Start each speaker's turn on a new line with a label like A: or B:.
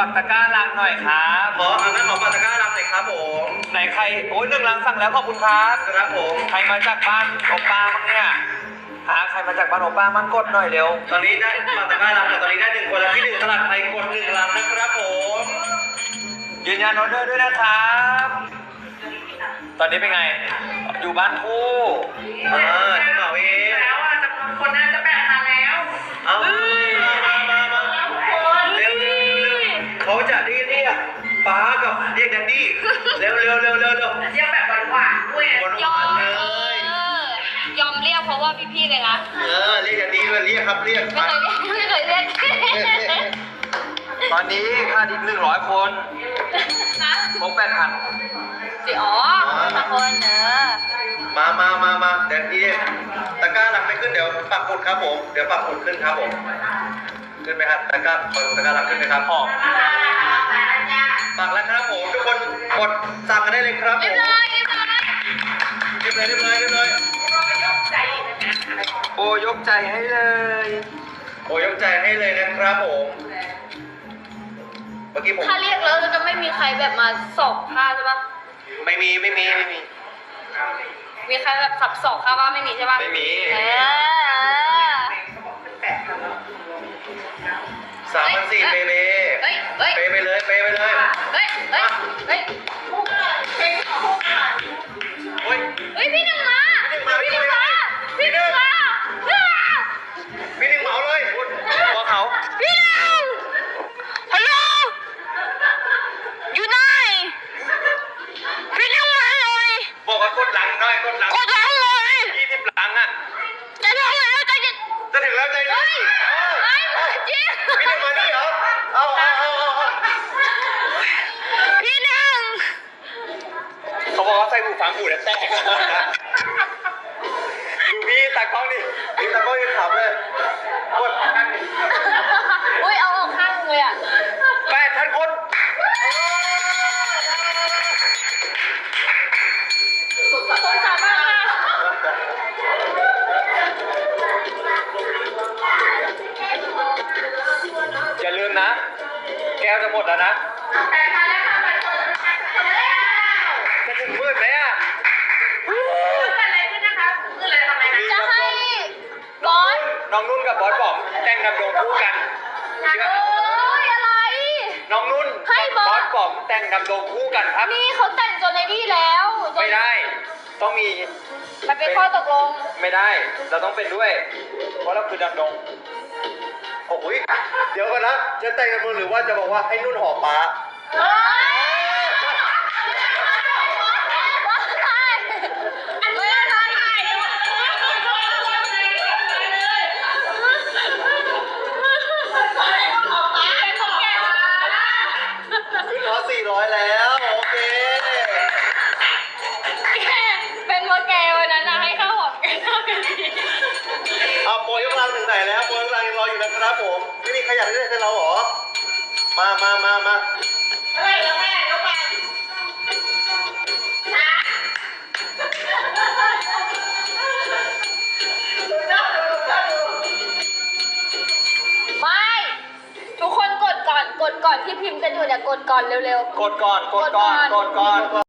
A: ากตะกร้าลังหน่อยครับ
B: งั้นขอฝากตะกร้าลังหน่อยครับผม
A: ไหนใครโอ้ย1 ลังสั่งแล้วขอบคุณครับ
B: ครับผม
A: ใครมาจากบ้านโอป้ามั้งเนี่ยใครมาจากบ้านโอป้ามั่งกดหน่อยเร็ว
B: ตอนนี้ได้ฝากตะกร้าลังตอนนี้ได้1 คนแล้วที่1ตลาดไทยกด1 ลังนะครับผม
A: ยืนยันออเดอร์ด้วยนะครับตอนนี้เป็นไงอยู่บ้านคู่
B: จะเหมาเอง
C: แล้วจำนวนคนน่าจะ8,000แล้ว
B: เอาเร็วเขาจะเรียกป้ากับเรียกแดดดี้เร็วเรียก
C: แบบหวานๆด้วย
B: ยอมเลย
D: ยอมเรียกเพราะว่าพี่ๆเลยนะ
B: เรียกแดดดี้ด้วยเรียกครับเรียก
D: ไม่เคยเรียก
A: ตอนนี้ขาดอีก100 คนครบ8,000
D: อ๋อคน
B: มาแดดดี้ตะกร้าหลังไม่ขึ้นเดี๋ยวปักหมุดครับผมเดี๋ยวปักหมุดขึ้นครับผมขึ้นไหมครับตะกร้าหลังขึ้นไหมครับปักแล้วครับผมทุกคนกดสั่งกันได้เลยครับผมเรียบร้อย
A: โอ้ยกใจให้เลย
B: โอ้ยกใจให้เลยนะครับผมเมื่อกี้ผม
D: ถ้าเรียกแล้วจะไม่มีใครแบบมาสอบผ้าใช่ปะ
B: ไม่มี
D: มีใครแบบสับสอบผ้าบ้างไม่มีใช่ปะ
A: ไม่มี
B: 3,400เปไปเลย
D: เฮ้ยพี่หนึ่งมาพี่หนึ่ง
B: เหมาเลย
A: ว่าเขา
D: พี่หนึ่งฮัลโหลอยู่ไหนพี่หนึ่งมาเลย
B: บอกว่ากดหลังหน่อยกดหลัง
D: เลย
B: 20 หลังอ่ะ
D: จะถึงแล้ว
B: จะถึงแล้วใจเย็น
D: จริง
B: พี่หนึ่งมานี่เหรอเอา
D: พี่หนึ่ง
A: เขาบอกว่าใส่หูฟังหูแล้วแตก
B: ดูพี่ตากล้องดิพี่ตากล้องยังขับเลยกด
D: อุ้ยเอาออกข้างเลยอ่ะ
B: 8,000 คน
D: สงสารมากค่ะ
A: อย่าลืมนะแก้วจะหมดแล้วนะจะถึงมืดไหมอ่ะ
D: จะให้บอส
A: น้องนุ่นกับบอสบอมแต่งดำดงคู่กัน
D: อะไร
A: น้องนุ่น
D: ให้บอส
A: บอมแต่งดำดงคู่กันครับ
D: นี่เขาแต่งจนในนี่แล้ว
A: ไม่ได้ต้องมี
D: มันเป็นข้อตกลง
A: ไม่ได้เราต้องเป็นด้วยเพราะเราคือดำดง
B: โอ้ยเดี๋ยวก่อนนะจะแต่งกับมึงหรือว่าจะบอกว่าให้นุ่นหอมป้าขึ้นฮอ400แล้วโอเค
D: เป็นโมแกวันนั้นนะให้ข้าวหอมแก้วกันดี
B: โปรยกลังถึงไหนแล้วโปรยกลังยังรออยู่นะครับผมไม่มีใครอยากได้ให้เราหรอมา
C: อะไรแล้วแม่ยกไป
D: ไม่ทุกคนกดก่อนที่พิมพ์กันอยู่เนี่ยกดก่อนเร็ว
A: ๆกดก่อน